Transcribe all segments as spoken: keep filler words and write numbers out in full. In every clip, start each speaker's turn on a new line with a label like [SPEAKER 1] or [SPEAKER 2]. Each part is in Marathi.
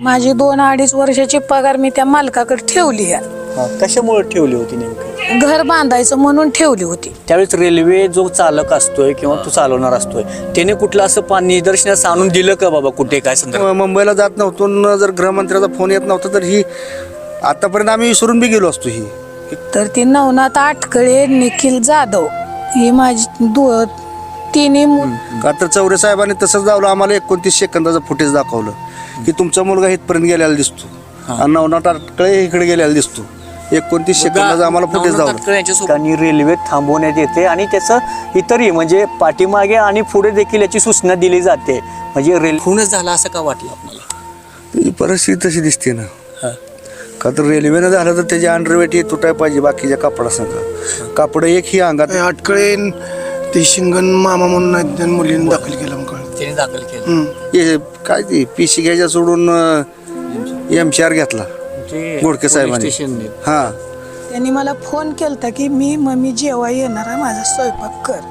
[SPEAKER 1] माझी दोन अडीच वर्षाची पगार मी त्या मालकाकडे ठेवली आहे.
[SPEAKER 2] कशामुळे ठेवली होती नेमकं?
[SPEAKER 1] घर बांधायचं म्हणून ठेवली होती.
[SPEAKER 2] त्यावेळेस रेल्वे जो चालक असतोय किंवा तो चालवणार असतोय त्याने कुठलं असं पा निदर्शनास आणून दिलं का बाबा कुठे काय संदर्भ?
[SPEAKER 3] मुंबईला जात नव्हतो न जर गृहमंत्र्याचा फोन येत नव्हता तर ही आतापर्यंत आम्ही विसरून बी गेलो असतो. ही
[SPEAKER 1] तर ती नवनाथ आटकळे, निखिल जाधव ही माझी दो तिन्ही मु-
[SPEAKER 3] का तर चौरे साहेबांनी तसंच दावलं आम्हाला एकोणतीस सेकंदाचं फुटेज दाखवलं की तुमचा मुलगा इथपर्यंत गेलेला दिसतो आणि नवनाथ आटकळे इकडे गेलेला दिसतो. एकोणतीस सेकंदाचं आम्हाला फुटेज दावलं
[SPEAKER 2] आणि रेल्वे थांबवण्यात येते आणि त्याचं इतरही म्हणजे पाठीमागे आणि पुढे देखील याची सूचना दिली जाते. म्हणजे रेल्वे खूनच झाला असं का वाटलं आपल्याला?
[SPEAKER 3] ही परिस्थिती तशी दिसते ना. का तर रेल्वेनं झालं तर त्याची अंडरवेट ही तुटाय पाहिजे बाकीच्या कापडासंग. कापड एक ही अंगात
[SPEAKER 4] अटकळे ते शिंगण मामा म्हणून आहेत, त्यांनी मुलींनी दाखल केलं मग कळलं.
[SPEAKER 2] त्याने दाखल केलं.
[SPEAKER 3] हे काय ती पिशी घ्यायच्या सोडून एम चार घेतला गोडके साहेबांनी. हा
[SPEAKER 1] त्यांनी मला फोन केलता की मी मम्मी जेव्हा येणार आहे माझा स्वयंपाक कर.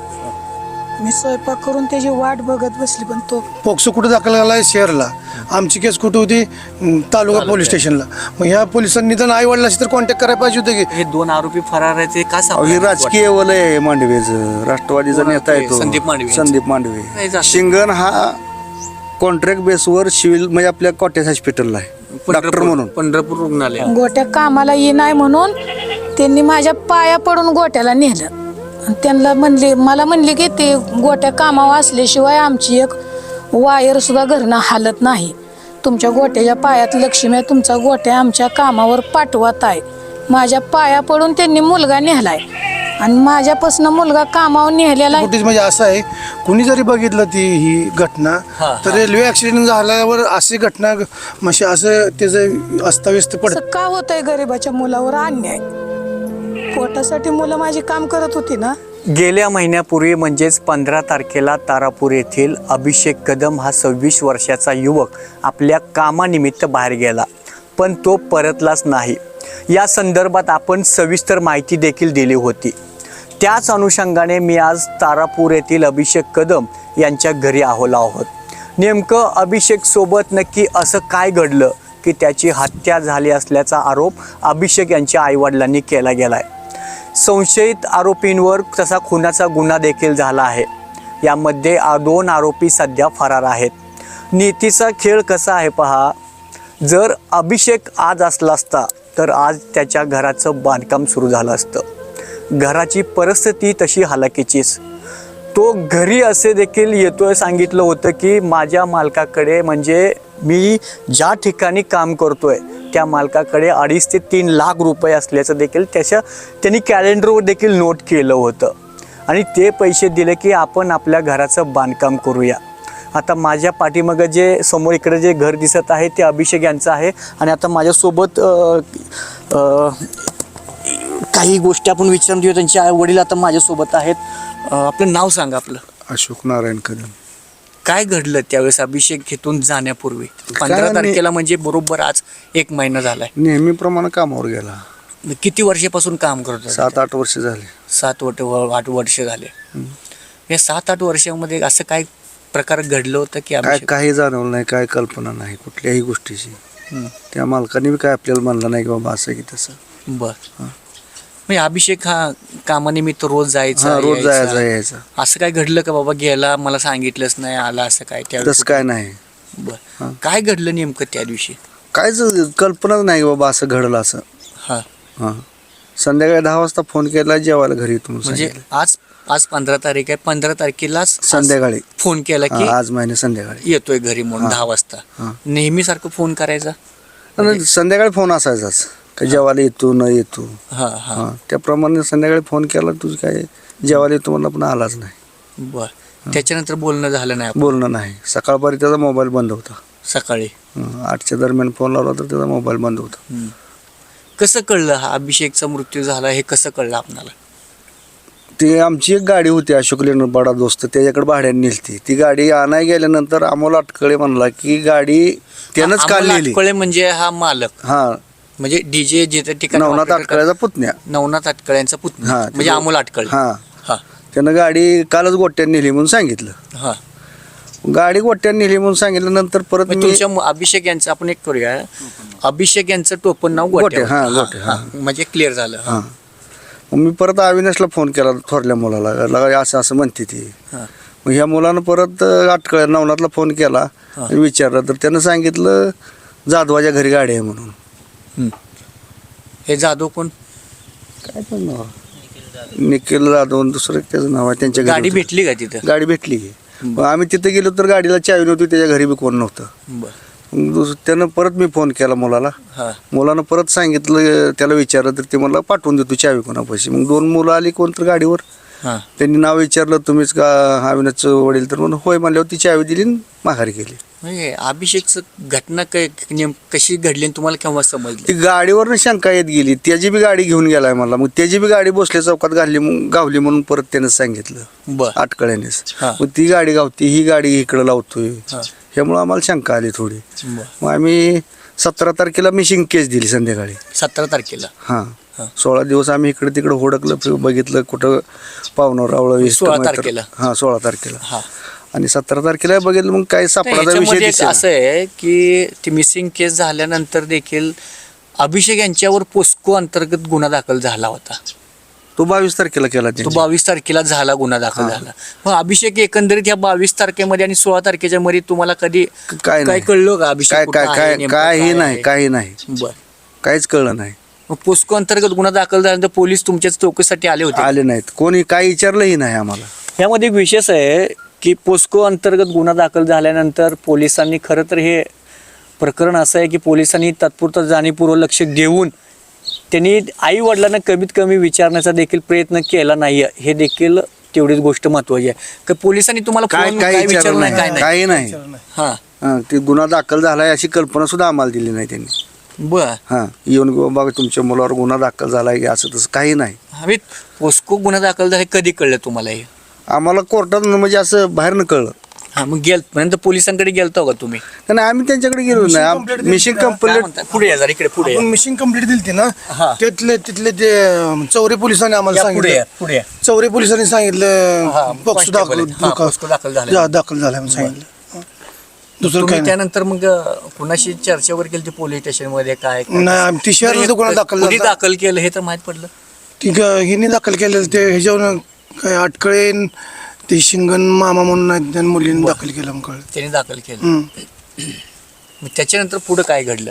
[SPEAKER 1] मी स्वयंपाक करून त्याची वाट बघत बसली पण तो
[SPEAKER 4] पोक्सो कुठे दाखल झाला शहरला, आमची केस कुठे होती तालुका पोलीस स्टेशनला. मग ह्या पोलिसांनी तर आई वडिलांशी तर कॉन्टॅक्ट करायला पाहिजे होते की
[SPEAKER 2] हे दोन आरोपी फरार आहेत ते का
[SPEAKER 3] हे
[SPEAKER 2] सापडले?
[SPEAKER 3] राजकीय वलय आहे मांडवेचं. राष्ट्रवादीचा नेता आहे तो
[SPEAKER 2] संदीप मांडवे.
[SPEAKER 3] संदीप मांडवे. शिंगण हा कॉन्ट्रॅक्ट बेसवर सिव्हिल म्हणजे आपल्या कॉटेज हॉस्पिटलला आहे डॉक्टर म्हणून.
[SPEAKER 2] पंढरपूर रुग्णालय.
[SPEAKER 1] गोट्या कामाला ये नाही म्हणून त्यांनी माझ्या पाया पडून गोट्याला नेलं. त्यांना म्हणले मला म्हणले की ते गोट्या कामावर असल्याशिवाय आमची एक वायर सुद्धा घरनं हालत नाही. तुमच्या गोट्याच्या पायात लक्ष्मी आहे, तुमचा गोट्या आमच्या कामावर पाठवत आहे. माझ्या पाया पडून त्यांनी मुलगा नेलाय आणि माझ्यापासून मुलगा कामावर नेलेला आहे.
[SPEAKER 4] फुटेज म्हणजे असं आहे, कुणी जरी बघितलं ती ही घटना तर रेल्वे ऍक्सिडेंट झाल्यावर अशी घटना म्हणजे असं त्याचं अस्ताव्यस्त पडत.
[SPEAKER 1] असं का होतंय गरीबाच्या मुलावर अन्याय? पोटासाठी मुलं माझी काम करत होती ना.
[SPEAKER 2] गेल्या महिन्यापूर्वी म्हणजेच पंधरा तारखेला तारापूर येथील अभिषेक कदम हा सव्वीस वर्षाचा युवक आपल्या कामानिमित्त बाहेर गेला पण तो परतलाच नाही. या संदर्भात आपण सविस्तर माहिती देखील दिली होती. त्याच अनुषंगाने मी आज तारापूर येथील अभिषेक कदम यांच्या घरी आलो आहोत. नेमकं अभिषेक सोबत नक्की असं काय घडलं की त्याची हत्या झाली असल्याचा आरोप अभिषेक यांच्या आईवडिलांनी केला गेलाय. संशयित आरोपींवर तसा खुनाचा गुन्हा देखील झाला आहे. यामध्ये दोन आरोपी सध्या फरार आहेत. नीतीचा खेळ कसा आहे पहा. जर अभिषेक आज असला असता तर आज त्याच्या घराचं बांधकाम सुरू झालं असतं. घराची परिस्थिती तशी हालाकीचीच. तो घरी असे देखील येतोय सांगितलं होतं की माझ्या मालकाकडे म्हणजे मी ज्या ठिकाणी काम करतोय त्या मालकाकडे अडीच ते तीन लाख रुपये असल्याचं देखील त्याच्या त्यांनी कॅलेंडरवर देखील नोट केलं होतं आणि ते पैसे दिले की आपण आपल्या घराचं बांधकाम करूया. आता माझ्या पाठीमागं जे समोर इकडे जे घर दिसत आहे ते अभिषेक यांचं आहे आणि आता माझ्यासोबत काही गोष्टी आपण विचारून घेऊ. त्यांचे आई वडील आता माझ्यासोबत आहेत. आपलं नाव सांगा. आपलं
[SPEAKER 3] अशोक नारायण कदम.
[SPEAKER 2] काय घडलं त्यावेळेस अभिषेक घेतून जाण्यापूर्वी? पंधरा तारखेला म्हणजे बरोबर आज एक महिना झालाय.
[SPEAKER 3] नेहमीप्रमाणे कामावर गेला.
[SPEAKER 2] किती वर्षापासून काम करतो?
[SPEAKER 3] सात आठ वर्ष झाले.
[SPEAKER 2] सात वर्ष आठ वर्ष झाले. या सात आठ वर्षामध्ये असं काय प्रकार घडलं होतं की
[SPEAKER 3] काय काही जाणवलं नाही, काय कल्पना नाही कुठल्याही गोष्टीची. त्या मालकाने बी काय आपल्याला म्हणलं नाही की बाबा असं की तसं.
[SPEAKER 2] बर. म्हणजे अभिषेक हा कामानिमित्त रोज जायचा
[SPEAKER 3] रोज जायचा यायचा.
[SPEAKER 2] असं काय घडलं का बाबा गेला मला सांगितलंच नाही आला असं काय
[SPEAKER 3] तसं काय नाही.
[SPEAKER 2] बर. काय घडलं नेमकं त्या दिवशी?
[SPEAKER 3] कायच कल्पनाच नाही बाबा असं घडलं असं.
[SPEAKER 2] हा
[SPEAKER 3] हा संध्याकाळी दहा वाजता फोन केला जेवायला घरी येतो
[SPEAKER 2] म्हणजे आज आज पंधरा तारीख आहे. पंधरा तारखेलाच
[SPEAKER 3] संध्याकाळी
[SPEAKER 2] फोन केला की
[SPEAKER 3] आज महिने संध्याकाळी
[SPEAKER 2] येतोय घरी म्हणून दहा वाजता. नेहमी सारखं फोन करायचा?
[SPEAKER 3] संध्याकाळी फोन असायचाच का जेवायला येतो न येतो.
[SPEAKER 2] हा हा
[SPEAKER 3] त्याप्रमाणे संध्याकाळी फोन केला तुझं काय जेवायला येतो म्हणलं पण आलाच नाही.
[SPEAKER 2] बर. त्याच्यानंतर बोलणं झालं नाही?
[SPEAKER 3] बोलणं नाही. सकाळपारी त्याचा मोबाईल बंद होता.
[SPEAKER 2] सकाळी
[SPEAKER 3] आठच्या दरम्यान फोन लावला तर त्याचा मोबाईल बंद होता.
[SPEAKER 2] कसं कळलं हा अभिषेकचा मृत्यू झाला हे कसं कळलं आपल्याला?
[SPEAKER 3] ती आमची एक गाडी होती अशोक लेणर बडा दोस्त त्याच्याकडे भाड्याने नेलती. ती गाडी आणाय गेल्यानंतर अमोल अटकळे म्हणला की गाडी त्यानंच काल नेली.
[SPEAKER 2] अटकळे म्हणजे हा मालक?
[SPEAKER 3] हा
[SPEAKER 2] म्हणजे डीजे जे ठिकाणी
[SPEAKER 3] नवनाथ अटकळ्याचा पुतण्या.
[SPEAKER 2] नवनाथ अटकळ्यांचा पुतण्या म्हणजे अमोल अटकळे.
[SPEAKER 3] हा
[SPEAKER 2] हा
[SPEAKER 3] त्यानं गाडी कालच गोट्याने नेली म्हणून सांगितलं.
[SPEAKER 2] हा
[SPEAKER 3] गाडी गोट्याने नेली म्हणून सांगितलं. नंतर परत
[SPEAKER 2] मग
[SPEAKER 3] मी
[SPEAKER 2] तुमच्या मु- अभिषेक यांचं आपण एक करूया, अभिषेक यांचं टोपण नाव गोट्या
[SPEAKER 3] गोट्या, हा,
[SPEAKER 2] होतं.
[SPEAKER 3] गोट्या,
[SPEAKER 2] हा,
[SPEAKER 3] हा.
[SPEAKER 2] हा. म्हणजे क्लिअर झालं. हा.
[SPEAKER 3] हां मग मी परत अविनाशला फोन केला थोरल्या मुलाला, लगा असं असं म्हणते ती.
[SPEAKER 2] हा.
[SPEAKER 3] मग ह्या मुलानं परत अटकळ नवनाथला फोन केला आणि विचारलं तर त्यानं सांगितलं जाधवाच्या घरी गाडी आहे म्हणून.
[SPEAKER 2] हम्म. हे जाधव कोण?
[SPEAKER 3] काय पण नाव निखिल जाधव आणि दुसरं त्याचं नाव आहे. त्यांच्या घरी
[SPEAKER 2] गाडी
[SPEAKER 3] होतं.
[SPEAKER 2] भेटली का तिथं?
[SPEAKER 3] गाडी भेटली की. मग आम्ही तिथे गेलो तर गाडीला चावी नव्हती, त्याच्या घरी बी कोण नव्हतं.
[SPEAKER 2] बर.
[SPEAKER 3] मग दुस- त्यानं परत मी फोन केला मुलाला.
[SPEAKER 2] हा.
[SPEAKER 3] मुलानं परत सांगितलं, त्याला विचारलं तर ते मला पाठवून देतो चावी कोणापाशी. मग दोन मुलं आली कोणतर गाडीवर,
[SPEAKER 2] हा.
[SPEAKER 3] त्यांनी नाव विचारलं तुम्हीच का अविनाशचं वडील, तर म्हणून होय म्हणल्यावर ती चावी दिली आणि माघारी गेली.
[SPEAKER 2] म्हणजे अभिषेकचं घटना काय नेम कशी घडली आणि तुम्हाला केव्हा समजली?
[SPEAKER 3] ती गाडीवरनं शंका येत गेली, त्याची बी गाडी घेऊन गेलाय मला. मग त्याची बी गाडी भोसले चौकात घालली मग गावली म्हणून परत त्यानं सांगितलं
[SPEAKER 2] बर.
[SPEAKER 3] अटकळ्यानेच.
[SPEAKER 2] हा.
[SPEAKER 3] मग ती गाडी गावती, ही गाडी इकडं लावतोय,
[SPEAKER 2] हा.
[SPEAKER 3] ह्यामुळं आम्हाला शंका आली थोडी.
[SPEAKER 2] बर.
[SPEAKER 3] मग आम्ही सतरा तारखेला मिशिंग केस दिली संध्याकाळी.
[SPEAKER 2] सतरा तारखेला.
[SPEAKER 3] हां
[SPEAKER 2] हा.
[SPEAKER 3] सोळा दिवस आम्ही इकडे तिकडे हुडकलं, फि- बघितलं कुठं पाहुणं रावळं
[SPEAKER 2] सोळा तारखेला.
[SPEAKER 3] हां सोळा तारखेला.
[SPEAKER 2] हा.
[SPEAKER 3] आणि सतरा तारखेला बघितलं मग काही सापडाचा विषय
[SPEAKER 2] याच्यामध्ये एक
[SPEAKER 3] दिसेना.
[SPEAKER 2] असं आहे की ती मिसिंग केस झाल्यानंतर देखील अभिषेक यांच्यावर पोस्को अंतर्गत गुन्हा दाखल झाला होता.
[SPEAKER 3] तो बावीस तारखेला केला
[SPEAKER 2] तो
[SPEAKER 3] त्यांनी.
[SPEAKER 2] बावीस तारखेला झाला गुन्हा दाखल झाला. मग अभिषेक एकंदरीत या बावीस तारखेमध्ये आणि सोळा तारखेच्या मध्ये तुम्हाला कधी
[SPEAKER 3] काय
[SPEAKER 2] काय
[SPEAKER 3] नाही.
[SPEAKER 2] कळलं का अभिषेक
[SPEAKER 3] काय
[SPEAKER 2] कुठं
[SPEAKER 3] काय
[SPEAKER 2] आहे,
[SPEAKER 3] काय
[SPEAKER 2] नेमकं
[SPEAKER 3] काही
[SPEAKER 2] काय
[SPEAKER 3] नाही
[SPEAKER 2] आहे?
[SPEAKER 3] काही नाही
[SPEAKER 2] बर.
[SPEAKER 3] काहीच कळलं नाही.
[SPEAKER 2] मग पोस्को अंतर्गत गुन्हा दाखल झाल्यानंतर पोलीस तुमच्याच चौकशीसाठी आले होते?
[SPEAKER 3] आले नाहीत, कोणी काही विचारलंही नाही आम्हाला.
[SPEAKER 2] यामध्ये एक विशेष आहे की पोस्को अंतर्गत गुन्हा दाखल झाल्यानंतर पोलिसांनी खरं तर हे प्रकरण असं आहे की पोलिसांनी तात्पुरतं जाणीवपूर्वक लक्ष देऊन त्यांनी आई वडिलांना कमीत कमी विचारण्याचा देखील प्रयत्न केला नाही, हे देखील तेवढीच गोष्ट महत्वाची आहे. की पोलिसांनी तुम्हाला
[SPEAKER 3] काय
[SPEAKER 2] फोन-
[SPEAKER 3] काय
[SPEAKER 2] काय
[SPEAKER 3] विचारलं
[SPEAKER 2] विचारलं नाही,
[SPEAKER 3] नाही,
[SPEAKER 2] काय नाही?
[SPEAKER 3] काही नाही.
[SPEAKER 2] हा.
[SPEAKER 3] हां ते गुन्हा दाखल झालाय अशी कल्पना सुद्धा आम्हाला दिली नाही त्यांनी.
[SPEAKER 2] बर.
[SPEAKER 3] हां येऊन की बाबा तुमच्या मुलावर गुन्हा दाखल झालाय की असं तसं काही नाही.
[SPEAKER 2] हवे पोस्को गुन्हा दाखल झाला हे कधी कळलं तुम्हाला हे?
[SPEAKER 3] आम्हाला कोर्टात म्हणजे असं बाहेरनं कळलं.
[SPEAKER 2] हा. मग गेल नंतर पोलिसांकडे गेलतो का तुम्ही?
[SPEAKER 3] नाही आम्ही त्यांच्याकडे गेलो
[SPEAKER 4] Mission
[SPEAKER 3] नाही.
[SPEAKER 4] complete
[SPEAKER 3] मिशिंग
[SPEAKER 4] दिली का?
[SPEAKER 2] काय
[SPEAKER 3] कंप्लीट
[SPEAKER 2] म्हणता? पुढे या जरा, इकडे पुढे या.
[SPEAKER 4] आपण मिशन कंप्लीट दिली ना,
[SPEAKER 2] हा.
[SPEAKER 4] तिथले तिथले ते अं, चौरे पोलिसांनी आम्हाला
[SPEAKER 2] या पुढे या,
[SPEAKER 4] सांगितलं.
[SPEAKER 2] पुढे या.
[SPEAKER 4] चौरे पोलिसांनी सांगितलं
[SPEAKER 2] हा,
[SPEAKER 4] पक्ष
[SPEAKER 2] constable
[SPEAKER 4] दाखल
[SPEAKER 2] आहे. हा, पोस्को दाखल झालाय.
[SPEAKER 4] जा- दाखल झालाय म्हणून सांगितलं. हा. दुसरं
[SPEAKER 2] तुम्ही
[SPEAKER 4] काय नाही.
[SPEAKER 2] त्यानंतर मग अं, कुणाशी चर्चा वगैरे केली पोलीस स्टेशन मध्ये काय काय?
[SPEAKER 4] नाही आम्ही ती शहरात गुन्हा दाखल
[SPEAKER 2] कुणी
[SPEAKER 4] झाला.
[SPEAKER 2] दाखल केलं हे तर माहित पडलं.
[SPEAKER 4] ती ग- हिने दाखल केलेलं ते ह्याच्यावर काय अटकळे ते शिंगण मामा म्हणून आहेत, त्या मुलीने दाखल केलं मग कळलं.
[SPEAKER 2] त्याने दाखल केलं.
[SPEAKER 4] हम्म.
[SPEAKER 2] मग त्याच्यानंतर पुढे काय घडलं?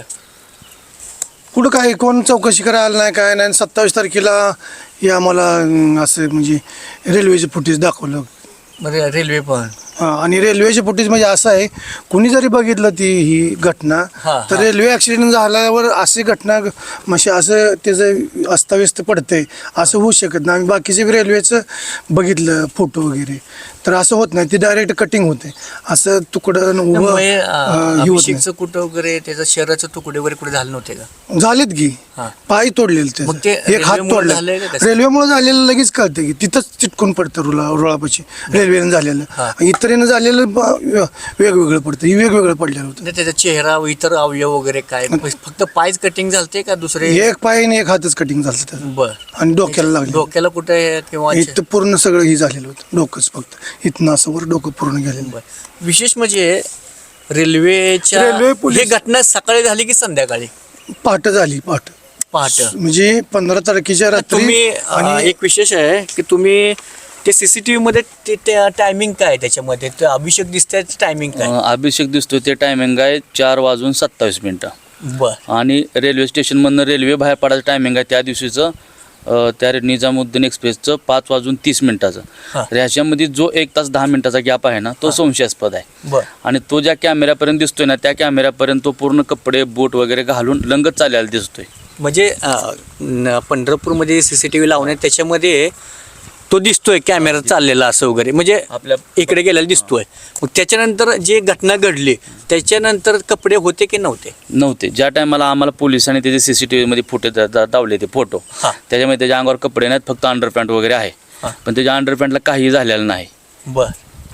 [SPEAKER 4] कुठं काय कोण चौकशी करायला आलं नाही काय नाही. सत्तावीस तारखेला हे आम्हाला अं, असं म्हणजे रेल्वेचे फुटेज दाखवलं.
[SPEAKER 2] मग रेल्वे पण
[SPEAKER 4] हा, आणि रेल्वेचे फुटेज म्हणजे असं आहे, कुणी जरी बघितलं ती ही घटना
[SPEAKER 2] हा,
[SPEAKER 4] तर
[SPEAKER 2] हा.
[SPEAKER 4] रेल्वे ॲक्सिडेंट झाल्यावर अशी घटना म्हणजे असं त्याचं अस्ताव्यस्त पडतंय असं होऊ शकत नाही. आम्ही बाकीचे बी रेल्वेचं बघितलं फोटो वगैरे, तर असं होत नाही. ते डायरेक्ट कटिंग होते, असं तुकडं उभं
[SPEAKER 2] त्यामुळे
[SPEAKER 4] अं,
[SPEAKER 2] अं,
[SPEAKER 4] हे होत
[SPEAKER 2] अभिषेकचं कुठं वगैरे त्याचं शरीराचं तुकडे वगैरे कुठे झाले नव्हते का?
[SPEAKER 4] नाही. झालेत की
[SPEAKER 2] हा.
[SPEAKER 4] पाय तोडलेले
[SPEAKER 2] मग ते
[SPEAKER 4] एक हात
[SPEAKER 2] रेल्वेमुळे
[SPEAKER 4] तोडला.
[SPEAKER 2] झालंय का कसं?
[SPEAKER 4] रेल्वेमुळे झालेलं लगेच कळतं की तिथंच चिटकून पडतं रुळा रुळापाशी रेल्वेनं झालेलं.
[SPEAKER 2] हा.
[SPEAKER 4] इतरीनं झालेलं ब- वेगवेगळं पडतं, हे वेगवेगळं पडलेलं होतं.
[SPEAKER 2] म्हणजे त्याचा चेहरा व इतर अवयव वगैरे काय फक्त पायच कटिंग झालते का दुसरे?
[SPEAKER 4] एक पाय आणि एक हातच कटिंग झालं त्याचं,
[SPEAKER 2] बर.
[SPEAKER 4] आणि डोक्याला लागलं.
[SPEAKER 2] डोक्याला कुठे किंवा
[SPEAKER 4] इथं पूर्ण सगळं हे झालेलं होतं, डोकंच फक्त इथनं असं वर डोकं पूर्ण गेलेलं.
[SPEAKER 2] बर. विशेष म्हणजे रेल्वेच्या
[SPEAKER 4] रेल्वे पोलीस-
[SPEAKER 2] ही घटना सकाळी झाली की संध्याकाळी?
[SPEAKER 4] पहाट झाली, पहाट
[SPEAKER 2] पहाटे.
[SPEAKER 4] म्हणजे पंधरा तारखेच्या रात्री.
[SPEAKER 2] तुम्ही अं,
[SPEAKER 4] आणि
[SPEAKER 2] एक विशेष आहे की तुम्ही ते सीसीटीव्ही मध्ये ते- ते टायमिंग काय आहे त्याच्यामध्ये? ते अभिषेक दिसतंय टायमिंग काय?
[SPEAKER 5] अं, अभिषेक दिसतोय ते टायमिंग आहे चार वाजून सत्तावीस मिनटं.
[SPEAKER 2] बर.
[SPEAKER 5] आणि रेल्वे स्टेशनमधनं रेल्वे बाहेर पडायचं टायमिंग आहे त्या दिवशीचं अं, त्या निजामुद्दीन एक्सप्रेसचं पाच वाजून तीस
[SPEAKER 2] हा.
[SPEAKER 5] मिनिटाचं. तर ह्याच्यामध्ये जो एक तास दहा मिनिटाचा गॅप आहे ना तो संशयास्पद आहे.
[SPEAKER 2] बर.
[SPEAKER 5] आणि तो ज्या कॅमेऱ्यापर्यंत दिसतोय ना त्या कॅमेऱ्यापर्यंत तो पूर्ण कपडे बूट वगैरे घालून लंगत चाललेला दिसतोय.
[SPEAKER 2] म्हणजे अं, न- पंढरपूरमध्ये सीसीटीव्ही लावण्यात त्याच्यामध्ये तो दिसतोय कॅमेरा चाललेला असं वगैरे, म्हणजे
[SPEAKER 5] आपल्या
[SPEAKER 2] इकडे गेलेला दिसतोय. मग त्याच्यानंतर जे घटना घडली त्याच्यानंतर कपडे होते की नव्हते?
[SPEAKER 5] नव्हते. ज्या टायमाला आम्हाला पोलिसांनी त्याचे सीसीटीव्ही मध्ये फुटेज दावले ते फोटो,
[SPEAKER 2] हा.
[SPEAKER 5] त्याच्यामध्ये त्याच्या अंगावर कपडे नाहीत, फक्त अंडरपॅन्ट वगैरे आहे.
[SPEAKER 2] हा.
[SPEAKER 5] पण त्याच्या अंडरपॅन्टला काही झालेलं नाही.
[SPEAKER 2] बर.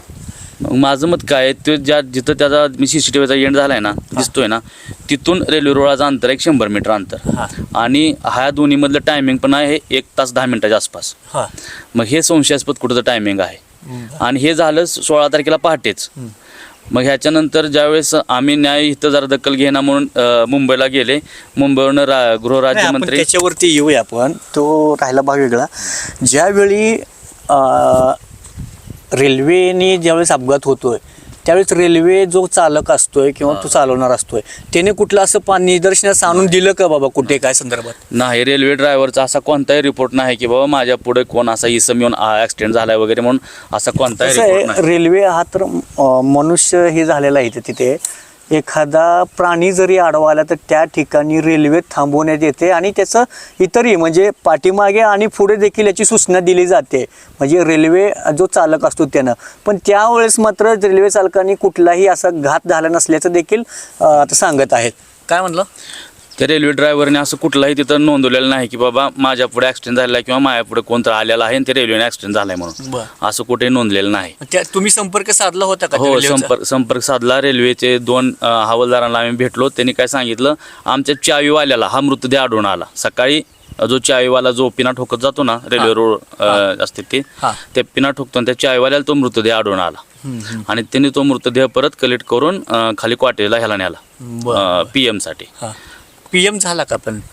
[SPEAKER 5] मग माझं मत काय आहे, तो ज्या जिथं त्याचा मी सीसीटीव्हीचा एंड झालाय ना दिसतोय ना तिथून रेल्वे रुळाचं अंतर एक शंभर मीटर अंतर.
[SPEAKER 2] हा.
[SPEAKER 5] आणि ह्या दोन्ही मधलं टायमिंग पण आहे एक तास दहा मिनिटाच्या आसपास.
[SPEAKER 2] हा.
[SPEAKER 5] मग हे संशयास्पद कुठचं टायमिंग आहे. आणि हे झालं सोळा तारखेला पहाटेच. मग ह्याच्यानंतर ज्यावेळेस आम्ही न्याय इथं जरा दखल घेणार म्हणून अ, मुंबईला गेले. मुंबईवरून रा
[SPEAKER 2] नाही, आपण
[SPEAKER 5] गृहराज्यमंत्री
[SPEAKER 2] त्याच्यावरती येऊया आपण. तो राहिला भाग वेगळा. ज्यावेळी अं, रेल्वेने ज्यावेळेस अपघात होतोय त्यावेळेस रेल्वे जो चालक असतोय किंवा तो चालवणार असतोय त्याने कुठलं असं पा निदर्शनास आणून दिलं का बाबा कुठे काय संदर्भात?
[SPEAKER 5] नाही, रेल्वे ड्रायव्हरचा असा कोणताही रिपोर्ट नाही की बाबा माझ्या पुढे कोण असा इसम येऊन ॲक्सिडेंट झालाय वगैरे म्हणून असा कोणताही
[SPEAKER 2] कसं
[SPEAKER 5] रिपोर्ट
[SPEAKER 2] आहे,
[SPEAKER 5] नाही.
[SPEAKER 2] रेल्वे हा तर अं, मनुष्य हे झालेला आहे इथे. तिथे एखादा प्राणी जरी आडवा आला तर त्या ठिकाणी रेल्वे थांबवण्यात येते आणि त्याचं इतरही म्हणजे पाठीमागे आणि पुढे देखील याची सूचना दिली जाते म्हणजे रेल्वे जो चालक असतो त्यानं. पण त्यावेळेस मात्र रेल्वे चालकांनी कुठलाही असा घात झाला नसल्याचं देखील अं, आता सांगत आहेत. काय म्हणलं?
[SPEAKER 5] त्या रेल्वे ड्रायव्हरने असं कुठलाही तिथं नोंदवलेलं नाही की बाबा माझ्या पुढे ॲक्सिडेंट झाला किंवा माझ्या पुढे कोणतं आलेला आहे आणि ते रेल्वेने ॲक्सिडेंट झालाय म्हणून
[SPEAKER 2] बरं.
[SPEAKER 5] असं कुठे नोंदलेलं नाही.
[SPEAKER 2] त्या तुम्ही संपर्क साधला होता का त्या
[SPEAKER 5] हो,
[SPEAKER 2] रेल्वेचा?
[SPEAKER 5] संपर्क संपर्क साधला. रेल्वेचे दोन अ, हवालदारांना आम्ही भेटलो. त्यांनी काय सांगितलं, आमच्या चावीवाल्याला हा मृतदेह आढळून आला. सकाळी अ, जो चावीवाला जो पिना ठोकत जातो ना रेल्वे रोड अ, असते ते
[SPEAKER 2] हा.
[SPEAKER 5] त्या पिना ठोकतो आणि त्या चावीवाल्याला तो मृतदेह आढळून आला आणि त्यांनी तो मृतदेह परत कलेक्ट करून अ, खाली क्वार्टरला ह्याला न्याला पी एमसाठी.
[SPEAKER 2] पी एम झाला का? पण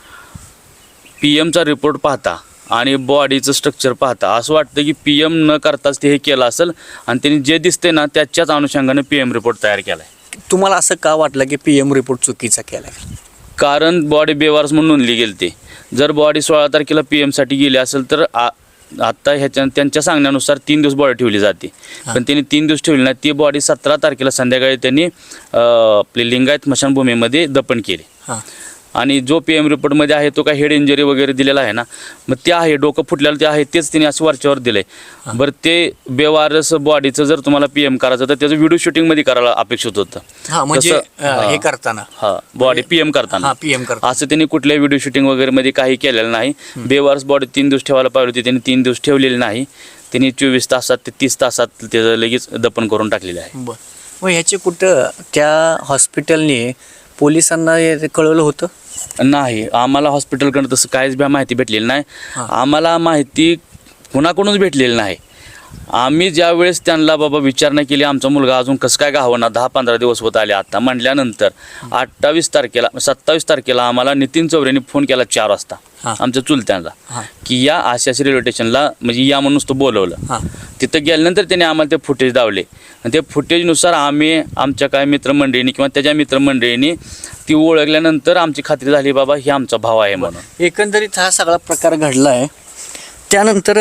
[SPEAKER 5] पी एमचा रिपोर्ट पाहता आणि बॉडीचं स्ट्रक्चर पाहता असं वाटतं की पी एम न करताच ते हे केलं असेल आणि त्यांनी जे दिसते ना त्याच्याच अनुषंगाने पी एम रिपोर्ट तयार केला आहे.
[SPEAKER 2] तुम्हाला असं का वाटलं की पी एम रिपोर्ट चुकीचा केला?
[SPEAKER 5] कारण बॉडी बेवारस म्हणून नोंदली गेली ती. जर बॉडी सोळा तारखेला पी एमसाठी गेली असेल तर आ आत्ता ह्याच्या त्यांच्या सांगण्यानुसार तीन दिवस बॉडी ठेवली जाते. पण त्यांनी तीन दिवस ठेवली नाही. ती बॉडी सतरा तारखेला संध्याकाळी त्यांनी अ, आपली लिंगायत स्मशानभूमीमध्ये दफन केली.
[SPEAKER 2] हां.
[SPEAKER 5] आणि जो पी एम रिपोर्टमध्ये आहे तो काय हेड इंजरी वगैरे दिलेला आहे ना, मग ते आहे डोकं फुटलेलं ते आहे तेच त्यांनी असं वरच्यावर दिलं आहे. बरं, ते बेवारस बॉडीचं जर तुम्हाला पी एम करायचं तर त्याचं व्हिडिओ शूटिंगमध्ये करायला अपेक्षित होतं.
[SPEAKER 2] हा म्हणजे
[SPEAKER 5] तसं,
[SPEAKER 2] अं, हे
[SPEAKER 5] हा.
[SPEAKER 2] करताना
[SPEAKER 5] हा बॉडी पी एम करताना
[SPEAKER 2] हा पी एम करताना
[SPEAKER 5] असं त्यांनी कुठल्याही व्हिडिओ शूटिंग वगैरे मध्ये काही केलेलं नाही. बेवारस बॉडी तीन दिवस ठेवायला पाहिजे होती, त्यांनी तीन दिवस ठेवलेली नाही. त्यांनी चोवीस तासात ते तीस तासात त्याचं लगेच दफन करून टाकलेलं आहे.
[SPEAKER 2] बरं. मग ह्याचे कुठं त्या हॉस्पिटलने पोलिसांना हे कळवलं होतं?
[SPEAKER 5] नाही, आम्हाला हॉस्पिटलकडून तसं काहीच बी माहिती भेटलेली नाही. आम्हाला माहिती कुणाकडूनच भेटलेली नाही. आम्ही ज्या वेळेस त्यांना बाबा विचारणा केली आमचा मुलगा अजून कसं काय गावना दहा पंधरा दिवस होत आले आता म्हटल्यानंतर अठ्ठावीस तारखेला सत्तावीस तारखेला आम्हाला नितीन चौरेने फोन केला चार वाजता आमच्या चुलत्यांना की या आशाशी रेल्वे स्टेशनला म्हणजे या म्हणून तो बोलवलं. तिथं गेल्यानंतर त्याने आम्हाला ते फुटेज दावले आणि ते फुटेजनुसार आम्ही आमच्या काय मित्रमंडळींनी किंवा त्याच्या मित्रमंडळींनी ती ओळखल्यानंतर आमची खात्री झाली बाबा ही आमचा भाव आहे म्हणून.
[SPEAKER 2] एकंदरीत हा सगळा प्रकार घडला आहे. त्यानंतर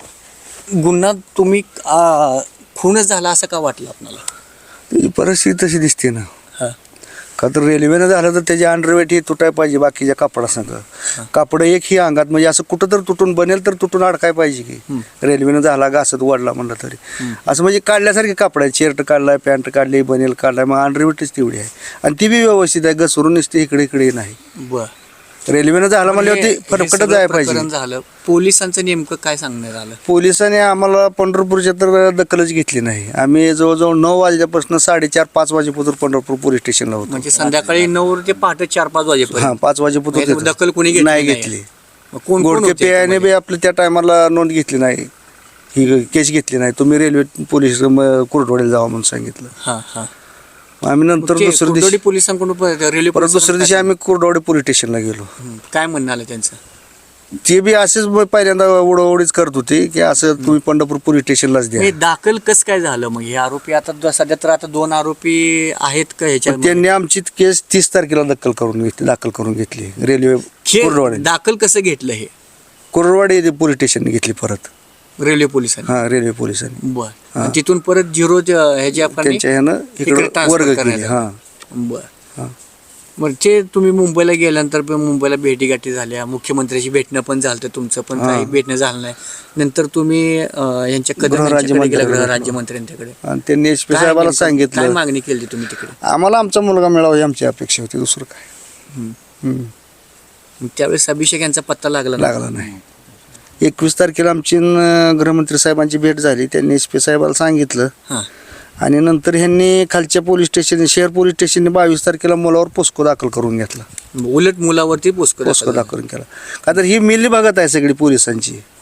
[SPEAKER 2] गुन्हा तुम्ही आ, खूनच झाला असं का वाटलं आपल्याला?
[SPEAKER 3] ही परिस्थिती तशी दिसते ना.
[SPEAKER 2] हां.
[SPEAKER 3] का तर रेल्वेनं झालं तर त्याची अंडरवेट ही तुटाय पाहिजे बाकीच्या कापडासंग. कापड एक ही अंगात म्हणजे असं कुठं तर तुटून बनेल तर तुटून अडकाय पाहिजे की. रेल्वेनं झाला घासत वाढला म्हणलं तरी असं म्हणजे काढल्यासारखे कापड आहे. शर्ट काढलाय, पॅन्ट काढली, बनेल काढलाय, मग अंडरवेटच तेवढी आहे आणि ती बी व्यवस्थित आहे. घसरून नसते इकडे इकडे नाही.
[SPEAKER 2] बरं.
[SPEAKER 3] रेल्वेनं झालं म्हणल्यावरती फरकटच जायला पाहिजे.
[SPEAKER 2] झालं. पोलिसांचं नेमकं काय सांगण्यात आलं?
[SPEAKER 3] पोलिसांनी आम्हाला पंढरपूरच्या तर दखलच घेतली नाही. आम्ही जवळजवळ नऊ वाजल्यापासून साडेचार पाच वाजेपर्यंत पंढरपूर पोलीस स्टेशनला होतो.
[SPEAKER 2] म्हणजे संध्याकाळी नऊ ते पहाटे चार पाच
[SPEAKER 3] हा
[SPEAKER 2] वाजेपर्यंत
[SPEAKER 3] पाच वाजेपर्यंत
[SPEAKER 2] म्हणजे दखल कोणी घेतली
[SPEAKER 3] नाही
[SPEAKER 2] नाही.
[SPEAKER 3] घेतली.
[SPEAKER 2] मग कोण कोण
[SPEAKER 3] गोडके
[SPEAKER 2] होते
[SPEAKER 3] पेयाने
[SPEAKER 2] याच्यामध्ये?
[SPEAKER 3] बी आपलं त्या टायमाला नोंद घेतली नाही. ही केस घेतली नाही. तुम्ही रेल्वे पोलीस कुरडवाडीला जावा म्हणून सांगितलं.
[SPEAKER 2] हां हां.
[SPEAKER 3] आम्ही नंतर
[SPEAKER 2] ते
[SPEAKER 3] दुसऱ्या
[SPEAKER 2] कुर्डवाडी
[SPEAKER 3] दिवशी
[SPEAKER 2] पोलिसांकडून प- रेल्वे
[SPEAKER 3] परत दुसऱ्या दिवशी आम्ही कुरडवाडी पोलीस स्टेशनला गेलो.
[SPEAKER 2] हं. काय म्हणणं आलं त्यांचं?
[SPEAKER 3] ते बी असेच मग पहिल्यांदा उडवडीच करत होते की असं तुम्ही पंढरपूर पोलीस स्टेशनलाच द्या.
[SPEAKER 2] हे दाखल कसं काय झालं मग? हे आरोपी आता द- सध्या तर आता दोन आरोपी आहेत का ह्याच्या?
[SPEAKER 3] पण त्यांनी आमची केस तीस तारखेला दखल करून घेतली दाखल करून घेतली रेल्वे
[SPEAKER 2] हे
[SPEAKER 3] कुरडवाडी
[SPEAKER 2] दाखल कसं घेतलं हे
[SPEAKER 3] कुरडवाडी पोलीस स्टेशनने घेतली परत.
[SPEAKER 2] रेल्वे पोलिसांनी?
[SPEAKER 3] हा रेल्वे पोलिसांनी
[SPEAKER 2] बर. आणि तिथून परत झिरो ह्याच्या
[SPEAKER 3] त्यांच्या ह्यानं इकडं वर्ग केली. हा
[SPEAKER 2] बर.
[SPEAKER 3] हा.
[SPEAKER 2] मग ते तुम्ही मुंबईला गेल्यानंतर पण मुंबईला भेटीगाठी झाल्या, मुख्यमंत्र्याशी भेटणं पण झालं तुमचं, पण काही भेटणं झालं नाही. नंतर तुम्ही अं, यांच्या कदम यांच्याकडे गेला,
[SPEAKER 3] गृहराज्यमंत्र्यांकडे.
[SPEAKER 2] गृहराज्यमंत्र्यांच्याकडे.
[SPEAKER 3] आणि त्यांनी एस पी
[SPEAKER 2] काय
[SPEAKER 3] साहेबाला
[SPEAKER 2] नेमकं- काय
[SPEAKER 3] सांगितलं
[SPEAKER 2] मागणी केली तुम्ही तिकडे?
[SPEAKER 3] आम्हाला आमचा मुलगा मिळावा ही आमची अपेक्षा होती. दुसरं काय
[SPEAKER 2] हं.
[SPEAKER 3] हम्म.
[SPEAKER 2] मग त्यावेळेस अभिषेक यांचा पत्ता लागला ना?
[SPEAKER 3] लागला नाही. एकवीस तारखेला आमची न गृहमंत्री साहेबांची भेट झाली. त्यांनी एस पी साहेबाला सांगितलं
[SPEAKER 2] हां.
[SPEAKER 3] आणि नंतर ह्यांनी खालच्या पोलीस स्टेशन शहर पोलीस स्टेशनने बावीस तारखेला मुलावर पोस्को दाखल करून घेतला.
[SPEAKER 2] उलट मुलावरती पोस्को
[SPEAKER 3] पोस्को दाखल केला. का तर ही मिली भागात आहे सगळी पोलिसांची.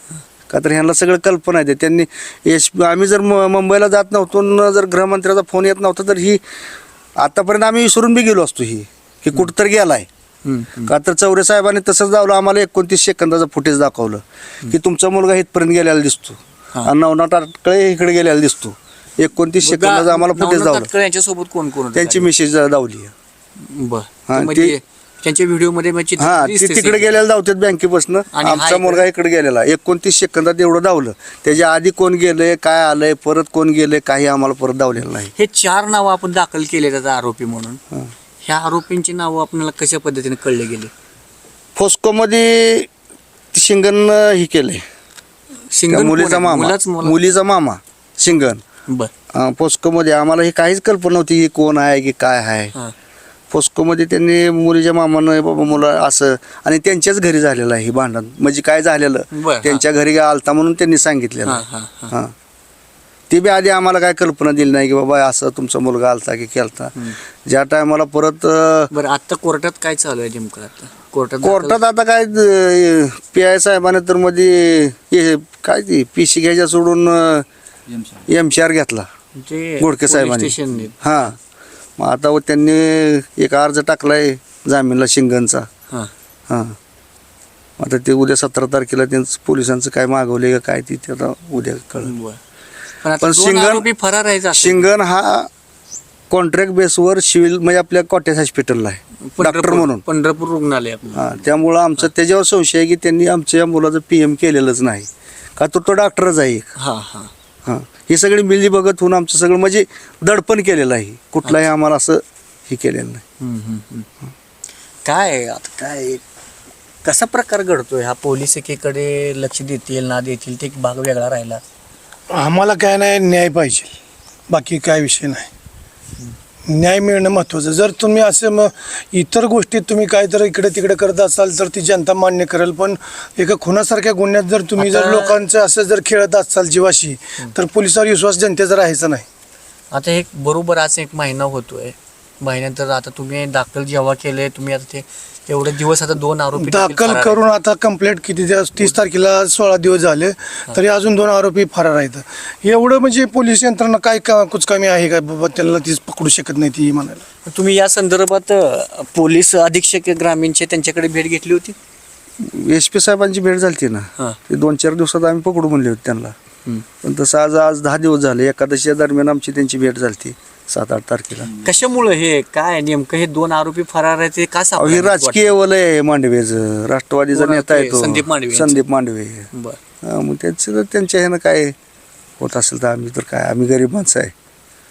[SPEAKER 3] का तर ह्यांना सगळं कल्पना आहे त्यांनी एस आम्ही जर म मुंबईला जात नव्हतो न जर गृहमंत्र्याचा फोन येत नव्हता तर ही आतापर्यंत आम्ही विसरून बी गेलो असतो ही की कुठंतरी गेलाय. का तर चौरे साहेबांनी तसंच दावलं आम्हाला एकोणतीस सेकंदाचं फुटेज दाखवलं की तुमचा मुलगा इथपर्यंत गेलेला दिसतो आणि नवनाथ ताटकळे इकडे गेलेला दिसतो. एकोणतीस सेकंदाचं आम्हाला फुटेज दावलं.
[SPEAKER 2] यांच्यासोबत कोण कोण
[SPEAKER 3] त्यांची मिसेस दावली.
[SPEAKER 2] बर
[SPEAKER 3] हा,
[SPEAKER 2] म्हणजे
[SPEAKER 3] ते-
[SPEAKER 2] त्यांच्या व्हिडिओ मध्ये म्हणजे
[SPEAKER 3] हा ती तिकडे गेलेला धावतात बँकेपासून
[SPEAKER 2] आणि हा
[SPEAKER 3] आमचा
[SPEAKER 2] इकडे-
[SPEAKER 3] मुलगा इकडे गेलेला एकोणतीस सेकंदात एवढं धावलं. त्याच्या आधी कोण गेलंय काय आलंय परत कोण गेलंय काही आम्हाला परत धावलेलं नाही.
[SPEAKER 2] हे चार नावं आपण दाखल केले त्याचा आरोपी म्हणून. ह्या आरोपींची नावं आपल्याला कशा पद्धतीने कळले गेले?
[SPEAKER 3] फोस्कोमध्ये शिंगण ही केलंय त्या
[SPEAKER 2] सिंगल
[SPEAKER 3] मुलीचा मामा
[SPEAKER 2] मुलाच मुला
[SPEAKER 3] मुलीचा मामा शिंगण.
[SPEAKER 2] बर
[SPEAKER 3] अं, पोस्कोमध्ये आम्हाला ही काहीच कल्पना नव्हती की कोण आहे की काय आहे.
[SPEAKER 2] हा.
[SPEAKER 3] पोस्कोमध्ये त्यांनी मुलीच्या मामानं बाबा मुलं असं आणि त्यांच्याच घरी झालेलं आहे हे भांडण म्हणजे काय झालेलं
[SPEAKER 2] बरं, हा.
[SPEAKER 3] त्यांच्या घरी आलता म्हणून त्यांनी सांगितलेलं.
[SPEAKER 2] हा, हा, हा.
[SPEAKER 3] हां ते बी आधी आम्हाला काय कल्पना दिली नाही की बाबा असं तुमचा मुलगा आलता की केलता. ज्या टायमाला परत अं,
[SPEAKER 2] बरं आता कोर्टात काय चालू आहे नेमकं? आता कोर्टात
[SPEAKER 3] कोर्टात आता काय पी आय साहेबाने तर मध्ये हे काय ती पी सी घ्यायच्या सोडून एम सी आर घेतला गोडके साहेबांनी.
[SPEAKER 2] स्टेशन
[SPEAKER 3] हां मग आता व त्यांनी एक अर्ज टाकलाय जामीनला शिंगणचा.
[SPEAKER 2] हा
[SPEAKER 3] हां आता ते उद्या सतरा तारखेला त्यांचं पोलिसांचं काय मागवले का काय ती ते आता उद्या कळलं.
[SPEAKER 2] बर पण आता
[SPEAKER 3] पण
[SPEAKER 2] दोन
[SPEAKER 3] सिंगल-
[SPEAKER 2] आरोपी फरार आहे असं.
[SPEAKER 3] शिंगण हा कॉन्ट्रॅक्ट बेसवर सिव्हिल म्हणजे आपल्या कॉटेज हॉस्पिटलला आहे डॉक्टर
[SPEAKER 2] पंढरपूर
[SPEAKER 3] म्हणून.
[SPEAKER 2] पंढरपूर रुग्णालय आपलं.
[SPEAKER 3] हां त्यामुळं आमचं त्याच्यावर संशय आहे की त्यांनी आमच्या मुलाचं पी एम केलेलंच नाही का तो तो डॉक्टरच आहे एक.
[SPEAKER 2] हा हा
[SPEAKER 3] हां ही सगळी मिली बघत होऊन आमचं सगळं म्हणजे दडपण केलेलं आहे. कुठलाही आम्हाला असं हे केलेलं नाही.
[SPEAKER 2] हम्म, हम्म, हम्म. काय आहे आता काय कसा प्रकार घडतोय हा? पोलीस एकीकडे लक्ष देतील ना देतील ते एक भाग वेगळा राहिला.
[SPEAKER 4] आम्हाला काय नाही न्याय पाहिजे, बाकी काय विषय नाही. न्याय मिळणं महत्त्वाचं. जर तुम्ही असं मग इतर गोष्टीत तुम्ही काय तर इकडे तिकडे करत असाल तर ती जनता मान्य करेल, पण एका खुनासारख्या गुन्ह्यात जर तुम्ही जर
[SPEAKER 2] आता-
[SPEAKER 4] लोकांचं असं जर खेळत असाल जीवाशी तर पोलिसावर विश्वास जनतेचा राहायचा नाही.
[SPEAKER 2] आता हे बरोबर आज एक महिना होतोय. महिन्यानंतर आता तुम्ही दाखल जेव्हा केले तुम्ही आता ते एवढे दिवस आता दोन आरोपी देखील
[SPEAKER 4] दाखल
[SPEAKER 2] फरार
[SPEAKER 4] करून आता कंप्लेंट किती दिवस तीस तारखेला सोळा दिवस झाले तरी अजून दोन आरोपी फरार आहेत. एवढं म्हणजे पोलीस यंत्रणा काय का कुचकामी आहे का बाबा त्यांना तीच पकडू शकत नाही ती म्हणायला.
[SPEAKER 2] आहेत. तुम्ही या संदर्भात अ, पोलीस अधीक्षक ग्रामीणचे त्यांच्याकडे भेट घेतली होती?
[SPEAKER 3] एस पी साहेबांची भेट झाली ना
[SPEAKER 2] हां.
[SPEAKER 3] ते दोन चार दिवसात आम्ही पकडू म्हणले होते त्यांना. पण तसं आज आज दहा दिवस झाले एकादशीच्या दरम्यान आमची त्यांची भेट झाली सात आठ तारखेला.
[SPEAKER 2] कशामुळे हे काय नेमकं हे दोन आरोपी फरार आहेत ते का
[SPEAKER 3] अहो,
[SPEAKER 2] सापडले
[SPEAKER 3] हे
[SPEAKER 2] नाहीत
[SPEAKER 3] राजकीय वलय आहे मांडवेचं. राष्ट्रवादीचा
[SPEAKER 2] कोण
[SPEAKER 3] नेता
[SPEAKER 2] ते?
[SPEAKER 3] आहे तो
[SPEAKER 2] संदीप मांडवे यांचं?
[SPEAKER 3] संदीप मांडवे.
[SPEAKER 2] वाटतं? बरं.
[SPEAKER 3] हा, मग त्यांचं तर त्यांच्या ह्यानं काय होत असेल तर आम्ही तर काय आम्ही गरीब माणसं आहे.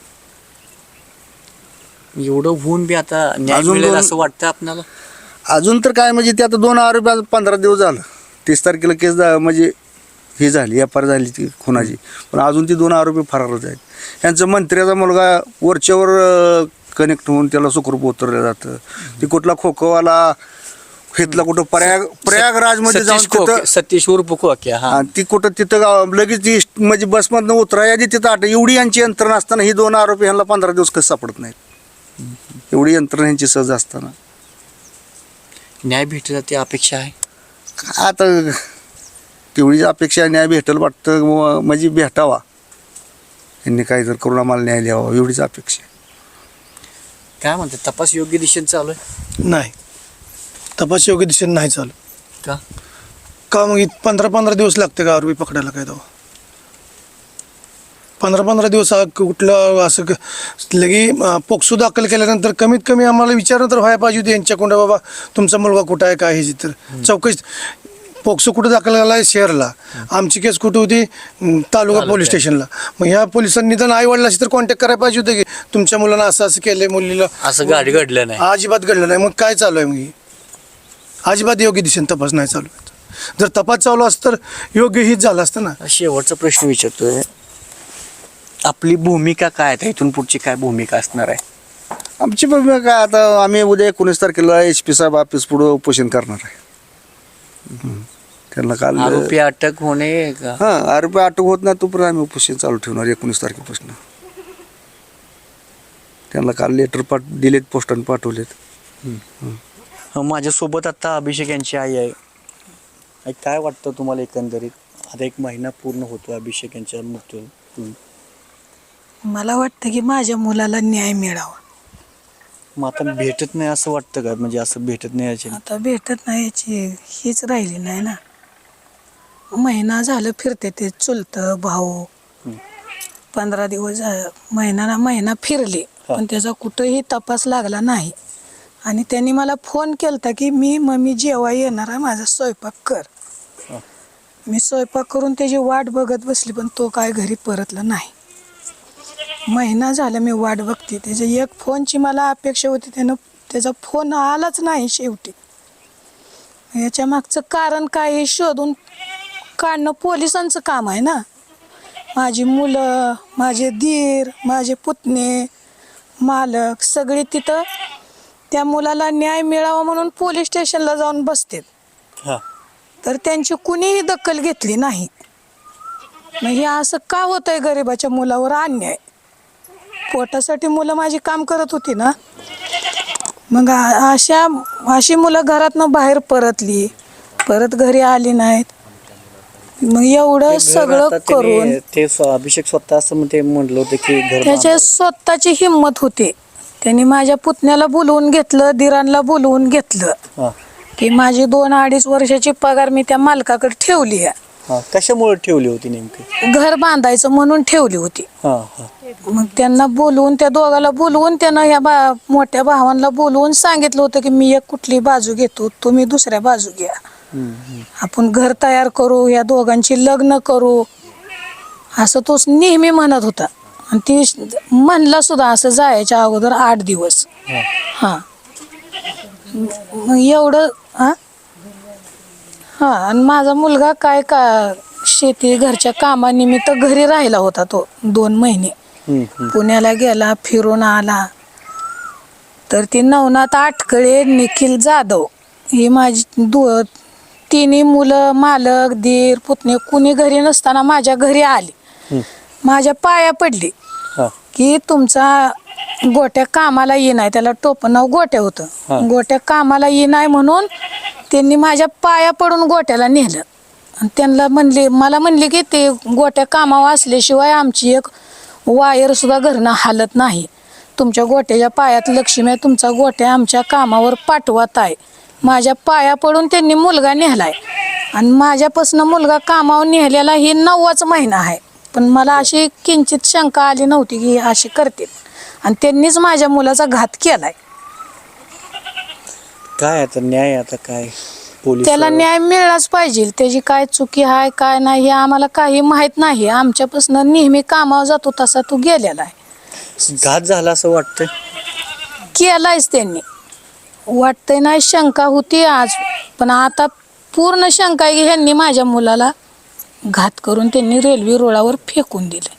[SPEAKER 2] एवढं होऊन बी आता न्याय
[SPEAKER 3] अजून
[SPEAKER 2] मिळेल
[SPEAKER 3] दोन-
[SPEAKER 2] असं वाटतं आपल्याला?
[SPEAKER 3] अजून तर काय म्हणजे ते आता दोन आरोपी आज पंधरा दिवस झालं. तीस तारखेला केस झा- म्हणजे ही झाली एफ आर झाली ती खुनाची, पण अजून ती दोन आरोपी फरारच आहेत. यांचं मंत्र्याचा मुलगा वरच्यावर कनेक्ट होऊन त्याला सुखरूप उतरलं जातं. ती कुठला खोखोवाला घेतला कुठं प्रयाग प्रयागराजमध्ये जाऊन
[SPEAKER 2] सतीश खोके-
[SPEAKER 3] तिथं
[SPEAKER 2] सतीश उर्फ खोके हा
[SPEAKER 3] हा, ती कुठं तिथं गाव- लगेच ती म्हणजे बसमधनं उतराय आधी तिथं आठ एवढी यांची यंत्रणा असताना ही दोन आरोपी ह्यांना पंधरा दिवस कसं सापडत नाहीत. एवढी यंत्रणा यांची सहज असताना
[SPEAKER 2] न्याय भेटला ती अपेक्षा आहे.
[SPEAKER 3] काय आता तेवढीच अपेक्षा न्याय भेटेल वाटतं व- म्हणजे भेटावा यांनी काही जर करून आम्हाला न्याय द्यावा एवढीच अपेक्षा आहे.
[SPEAKER 2] काय म्हणते तपास योग्य दिशेने चालू आहे
[SPEAKER 4] नाही तपास योग्य दिशेने नाही चालू.
[SPEAKER 2] का?
[SPEAKER 4] का मग इत- पंधरा पंधरा दिवस लागते का आरोपी पकडायला काय तेव्हा? पंधरा पंधरा दिवस हा कुठलं असं क- लगे अं, पोक्सो दाखल केल्यानंतर कमीत कमी आम्हाला विचारणं तर व्हायला पाहिजे होती यांच्याकडं बाबा तुमचा मुलगा कुठं आहे काय हे तर चौकशी. पोक्सो कुठं दाखल झाला आहे शहरला, आमची केस कुठं होती अं, तालुका पोलीस स्टेशनला. मग ह्या पोलिसांनी निदान आई वडिलाशी तर कॉन्टॅक्ट करायला पाहिजे होतं की तुमच्या मुलांना असं असं केलंय मुलीला.
[SPEAKER 2] असं गाडी घडलं नाही.
[SPEAKER 4] अजिबात घडलं नाही. मग काय चालू आहे मग ही? अजिबात योग्य दिशेने तपास नाही चालू आहे. जर तपास चालू असतं तर योग्य हीच झालं असतं ना.
[SPEAKER 2] शेवटचा प्रश्न विचारतोय, आपली भूमिका काय आहे? इथून पुढची काय भूमिका असणार आहे?
[SPEAKER 3] आमची भूमिका काय आता आम्ही उद्या एकोणीस तारखेला एच पी साहेब ऑफिस पुढं उपोषण करणार आहे. हम्म. त्यांना काल
[SPEAKER 2] आरोपी अटक होणे का?
[SPEAKER 3] हां आरोपी अटक होत नाही तोपर्यंत आम्ही उपोषण चालू ठेवणार एकोणीस तारखेपासून. त्यांना काल लेटर पाठ दिलेत पोस्टाने पाठवलेत.
[SPEAKER 2] माझ्यासोबत आता अभिषेक यांची आई आहे. आई, काय वाटतं तुम्हाला एकंदरीत आता एक महिना पूर्ण होतो अभिषेक यांच्या मृत्यू.
[SPEAKER 1] मला वाटतं की माझ्या मुलाला न्याय मिळावा.
[SPEAKER 2] मग आता भेटत नाही असं वाटतं का? म्हणजे असं भेटत नाही याची
[SPEAKER 1] आता भेटत नाही याची हीच राहिली नाही ना. महिना झालं फिरते ते चुलतं भाऊ, पंधरा दिवस झा- महिना ना महिना फिरले पण त्याचा कुठंही तपास लागला नाही. आणि त्यांनी मला फोन केलता की मी मम्मी जेव्हा येणार आहे माझा स्वयंपाक कर. मी स्वयंपाक करून त्याची वाट बघत बसली पण तो काय घरी परतला नाही. महिना झाला मी वाट बघते त्याच्या एक फोनची मला अपेक्षा होती, त्यानं त्याचा फोन आलाच नाही शेवटी. याच्या मागचं कारण काय हे शोधून काढणं पोलिसांचं काम आहे ना. माझी मुलं, माझे दीर, माझे पुतणे, मालक सगळे तिथं त्या मुलाला न्याय मिळावा म्हणून पोलीस स्टेशनला जाऊन बसतात.
[SPEAKER 2] हां
[SPEAKER 1] तर त्यांची कुणीही दखल घेतली नाही. मग हे असं का होतंय? गरिबाच्या मुलावर अन्याय. पोटासाठी मुलं माझी काम करत होती ना. मग आ- अशा अशी मुलं घरातनं बाहेर परतली, परत घरी आली नाहीत. मग एवढं सगळं
[SPEAKER 2] आता त्यांनी-
[SPEAKER 1] करून
[SPEAKER 2] ते स्व- अभिषेक स्वतः असं मग ते म्हणलं होतं की घर
[SPEAKER 1] त्याच्या स्वतःची हिंमत होती. त्यांनी माझ्या पुतण्याला बोलवून घेतलं, दिरांना बोलवून घेतलं
[SPEAKER 2] हां
[SPEAKER 1] की माझी दोन अडीच वर्षाची पगार मी त्या मालकाकडे ठेवली आहे.
[SPEAKER 2] हां कशामुळे ठेवली होती नेमकी?
[SPEAKER 1] घर बांधायचं म्हणून ठेवली होती.
[SPEAKER 2] हां हां
[SPEAKER 1] मग त्यांना बोलवून त्या दोघाला बोलवून त्यानं ह्या बा मोठ्या भावांना बोलवून सांगितलं होतं की मी एक कुठली बाजू घेतो, तुम्ही दुसऱ्या बाजू घ्या. आपण घर तयार करू, या दोघांची लग्न करू असं तोच नेहमी म्हणत होता. आणि ती म्हणला सुद्धा असं जायच्या अगोदर आठ दिवस. हां मग एवढं हां हां आणि माझा मुलगा काय का शेती घरच्या कामानिमित्त घरी राहिला होता तो दोन महिने. पुण्याला गेला, फिरून आला. तर ती नवनाथ आटकळे, निखिल जाधव ही माझी दो तिन्ही मुलं, मालक, दीर, पुतणे कुणी घरी नसताना माझ्या घरी आली. माझ्या पाया पडली
[SPEAKER 2] हां
[SPEAKER 1] की तुमचा गोट्या कामाला ये नाही. त्याला टोपण नाव गोट्या होतं. गोट्या कामाला ये नाही म्हणून त्यांनी माझ्या पाया पडून गोट्याला नेलं. आणि त्यांना म्हणले मला म्हणले की ते गोट्या कामावर असल्याशिवाय आमची एक वायर सुद्धा घरनं हालत नाही. तुमच्या गोट्याच्या पायात लक्ष्मी आहे, तुमचा गोट्या आमच्या कामावर पाठवत आहे. माझ्या पाया पडून त्यांनी मुलगा नेलाय. आणि माझ्यापासून मुलगा कामावर नेलेला ही नववाच महिना आहे. पण मला अशी किंचित शंका आली नव्हती की अशी करतील. आणि त्यांनीच माझ्या मुलाचा घात केलाय.
[SPEAKER 2] काय आता न्याय आता काय पोलीस
[SPEAKER 1] त्याला न्याय मिळालाच पाहिजे. त्याची काय चुकी आहे काय नाही हे आम्हाला काही माहीत नाही. आमच्यापासून नेहमी कामावर जातो तसा तो गेलेला आहे.
[SPEAKER 2] घात झाला असं वाटतंय?
[SPEAKER 1] केलायच त्यांनी. वाटतंय नाही शंका होती आज, पण आता पूर्ण शंका आहे की ह्यांनी माझ्या मुलाला घात करून त्यांनी रेल्वे रुळावर फेकून दिले.